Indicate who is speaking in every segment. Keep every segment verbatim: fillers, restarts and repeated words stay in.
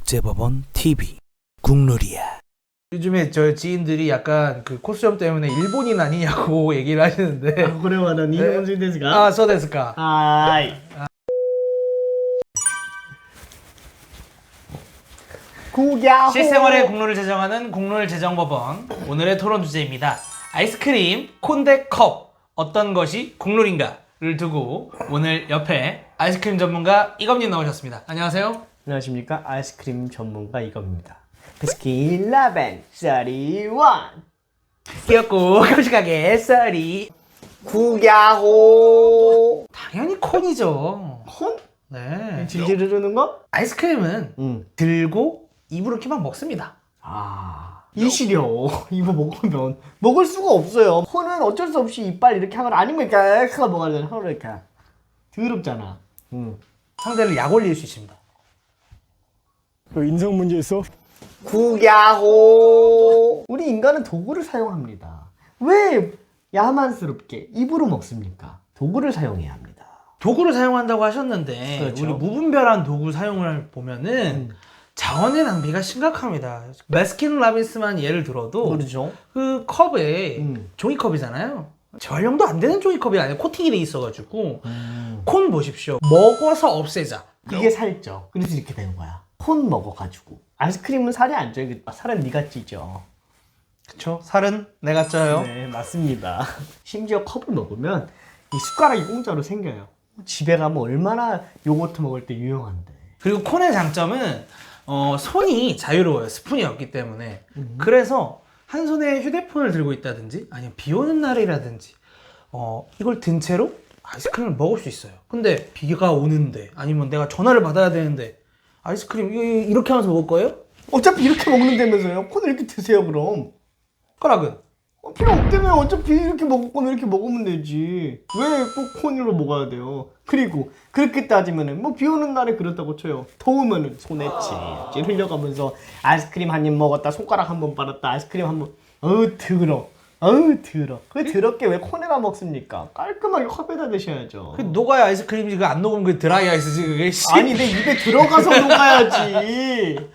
Speaker 1: 국제법원 티비 국룰이야. 요즘에 저 지인들이 약간 그 코스염 때문에 일본인 아니냐고 얘기를 하시는데.
Speaker 2: 아, これは何日本人ですか?
Speaker 1: 아, そうですか.
Speaker 2: はーい. 구야호.
Speaker 1: 실생활의 국룰을 제정하는 국룰제정법원. 오늘의 토론 주제입니다. 아이스크림, 콘대 컵 어떤 것이 국룰인가를 두고 오늘 옆에 아이스크림 전문가 이검님 나오셨습니다. 안녕하세요.
Speaker 2: 안녕하십니까, 아이스크림 전문가 이검입니다. 베스킨 라벤 삼십일.
Speaker 1: 귀엽고 깜찍하게 썰이.
Speaker 2: 구야호.
Speaker 1: 당연히 콘이죠.
Speaker 2: 콘?
Speaker 1: 네.
Speaker 2: 질질 흐르는 거?
Speaker 1: 아이스크림은
Speaker 2: 응.
Speaker 1: 들고 입으로 이렇게만 먹습니다.
Speaker 2: 아, 이 시려. 이거 먹으면 먹을 수가 없어요. 콘은 어쩔 수 없이 이빨 이렇게 하거나 아니면 이렇게 하고 먹어야 되나? 하고 이렇게 더럽잖아. 응.
Speaker 1: 상대를 약 올릴 수 있습니다.
Speaker 3: 그 인성 문제 있어?
Speaker 2: 구야호. 우리 인간은 도구를 사용합니다. 왜 야만스럽게 입으로 먹습니까? 도구를 사용해야 합니다.
Speaker 1: 도구를 사용한다고 하셨는데
Speaker 2: 그렇죠.
Speaker 1: 우리 무분별한 도구 사용을 보면은
Speaker 2: 음.
Speaker 1: 자원의 낭비가 심각합니다. 베스킨 라빈스만 예를 들어도
Speaker 2: 그렇죠.
Speaker 1: 그 컵에
Speaker 2: 음.
Speaker 1: 종이컵이잖아요. 재활용도 안 되는 종이컵이 아니라 코팅이 돼 있어가지고
Speaker 2: 음.
Speaker 1: 콘 보십시오. 먹어서 없애자.
Speaker 2: 그게 살쪄. 그래서 이렇게 되는 거야. 콘 먹어가지고. 아이스크림은 살이 안 쪄요. 살은 네가 찌죠.
Speaker 1: 그쵸? 살은 내가 쪄요.
Speaker 2: 네, 맞습니다. 심지어 컵을 먹으면 이 숟가락이 공짜로 생겨요. 집에 가면 얼마나 요거트 먹을 때 유용한데.
Speaker 1: 그리고 콘의 장점은 어, 손이 자유로워요. 스푼이 없기 때문에.
Speaker 2: 음.
Speaker 1: 그래서 한 손에 휴대폰을 들고 있다든지 아니면 비 오는 날이라든지 어, 이걸 든 채로 아이스크림을 먹을 수 있어요. 근데 비가 오는데 아니면 내가 전화를 받아야 되는데 아이스크림 이거 이렇게 하면서 먹을 거예요?
Speaker 2: 어차피 이렇게 먹는다면서요. 콘을 이렇게 드세요 그럼.
Speaker 1: 숟가락은?
Speaker 2: 어, 필요 없다면 어차피 이렇게 먹을 거면 이렇게 먹으면 되지. 왜 꼭 콘으로 먹어야 돼요? 그리고 그렇게 따지면은 뭐 비 오는 날에 그렇다고 쳐요. 더우면은 손에 찔찔 흘려가면서 아이스크림 한 입 먹었다, 손가락 한 번 빨았다, 아이스크림 한 번. 어우 더러. 어우 더러. 그 더럽게 왜 콘에다 먹습니까? 깔끔하게 컵에다 드셔야죠.
Speaker 1: 그 녹아야 아이스크림이지. 그 안 녹으면 그 드라이 아이스지 그게.
Speaker 2: 아니 내 입에 들어가서 녹아야지.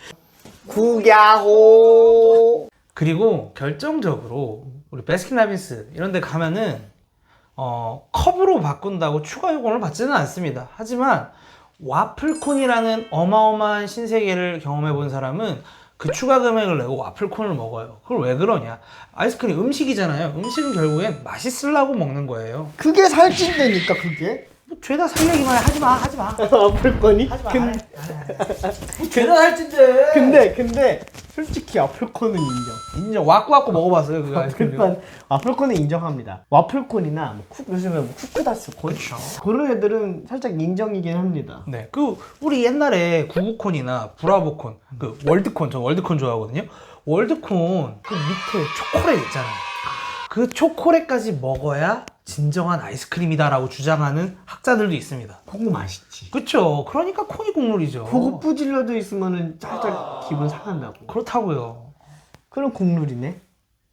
Speaker 2: 구야호.
Speaker 1: 그리고 결정적으로 우리 베스킨라빈스 이런 데 가면은 어, 컵으로 바꾼다고 추가 요금을 받지는 않습니다. 하지만 와플콘이라는 어마어마한 신세계를 경험해 본 사람은 그 추가 금액을 내고 와플콘을 먹어요. 그걸 왜 그러냐? 아이스크림 음식이잖아요. 음식은 결국엔 맛있으려고 먹는 거예요.
Speaker 2: 그게 살찐다니까 그게.
Speaker 1: 뭐 죄다 살 얘기만 해. 하지마 하지마.
Speaker 2: 아플거니?
Speaker 1: 하지마.
Speaker 2: 근,
Speaker 1: 죄다 살찐데.
Speaker 2: 근데 근데 솔직히 와플콘은 인정.
Speaker 1: 인정. 와꾸와꾸 먹어봤어요 그 아이스크림.
Speaker 2: 와플콘 와플콘은 인정합니다. 와플콘이나 뭐 쿠, 요즘에 뭐 쿠크다스콘
Speaker 1: 그쵸.
Speaker 2: 그런 애들은 살짝 인정이긴 합니다.
Speaker 1: 네, 그 우리 옛날에 구구콘이나 브라보콘, 그 월드콘, 저 월드콘 좋아하거든요. 월드콘 그 밑에 초콜릿 있잖아요. 그 초콜릿까지 먹어야 진정한 아이스크림이다라고 주장하는 학자들도 있습니다.
Speaker 2: 그거 맛있지.
Speaker 1: 그쵸? 그러니까 콘이 국룰이죠.
Speaker 2: 그거 뿌질러져 있으면은 살짝 기분 상한다고.
Speaker 1: 그렇다고요.
Speaker 2: 그럼 국룰이네.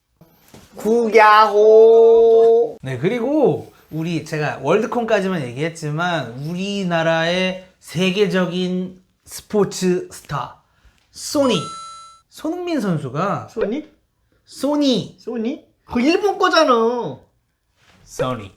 Speaker 2: 구야호.
Speaker 1: 네, 그리고 우리 제가 월드콘까지만 얘기했지만 우리나라의 세계적인 스포츠 스타 소니 손흥민 선수가
Speaker 2: 소니?
Speaker 1: 소니
Speaker 2: 소니? 그 일본 거잖아.
Speaker 1: 소니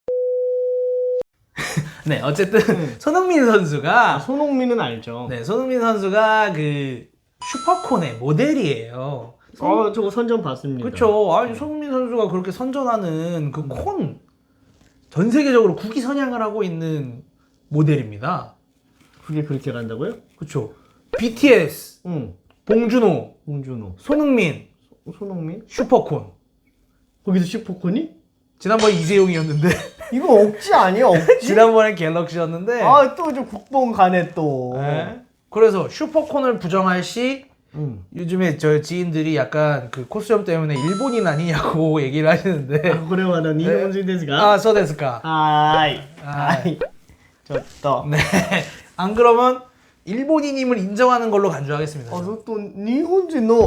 Speaker 1: 네, 어쨌든
Speaker 2: 음.
Speaker 1: 손흥민 선수가
Speaker 2: 손흥민은 알죠.
Speaker 1: 네, 손흥민 선수가 그 슈퍼콘의 모델이에요.
Speaker 2: 아, 저거 선전 봤습니다.
Speaker 1: 그렇죠. 아니 손흥민 선수가 그렇게 선전하는 그 콘 전 세계적으로 국위 선양을 하고 있는 모델입니다.
Speaker 2: 그게 그렇게 간다고요?
Speaker 1: 그렇죠. 비티에스,
Speaker 2: 응.
Speaker 1: 봉준호,
Speaker 2: 홍준호.
Speaker 1: 손흥민,
Speaker 2: 손흥민?
Speaker 1: 슈퍼콘.
Speaker 2: 거기서 슈퍼콘이?
Speaker 1: 지난번에 이재용이었는데
Speaker 2: 이거 억지 아니야, 억지?
Speaker 1: 지난번엔 갤럭시였는데.
Speaker 2: 아, 또 저 국뽕 가네 또.
Speaker 1: 네. 그래서 슈퍼콘을 부정할 시
Speaker 2: 응.
Speaker 1: 요즘에 저 지인들이 약간 그 코스염 때문에 일본인 아니냐고 얘기를 하시는데.
Speaker 2: 아, これは何日本人ですか?
Speaker 1: 아, 소데스까.
Speaker 2: 하이.
Speaker 1: 하이.
Speaker 2: 하이. 좋다.
Speaker 1: 네. 안 그러면 일본인임을 인정하는 걸로 간주하겠습니다.
Speaker 2: 아, 또 일본人の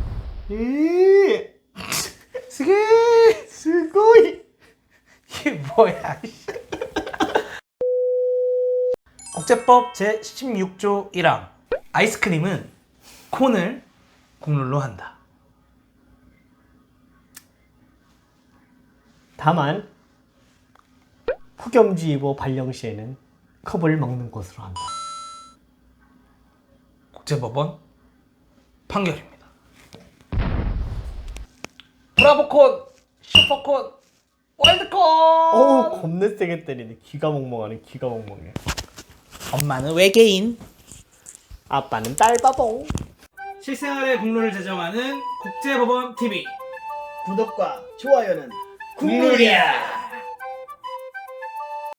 Speaker 2: 에.
Speaker 1: 스게.
Speaker 2: すごい.
Speaker 1: 이게 뭐야? 국제법 제십육 조 일 항. 아이스크림은 콘을 국룰로 한다.
Speaker 2: 다만 폭염주의보 발령 시에는 컵을 먹는 것으로 한다.
Speaker 1: 국제법원 판결입니다. 브라보콘, 슈퍼콘, 월드콘!
Speaker 2: 어우 겁내 세게 때리네. 귀가 멍멍하네. 귀가 멍멍해.
Speaker 1: 엄마는 외계인.
Speaker 2: 아빠는 딸바봉.
Speaker 1: 실생활의 국룰을 제정하는 국제법원 티비.
Speaker 2: 구독과 좋아요는
Speaker 1: 국룰이야.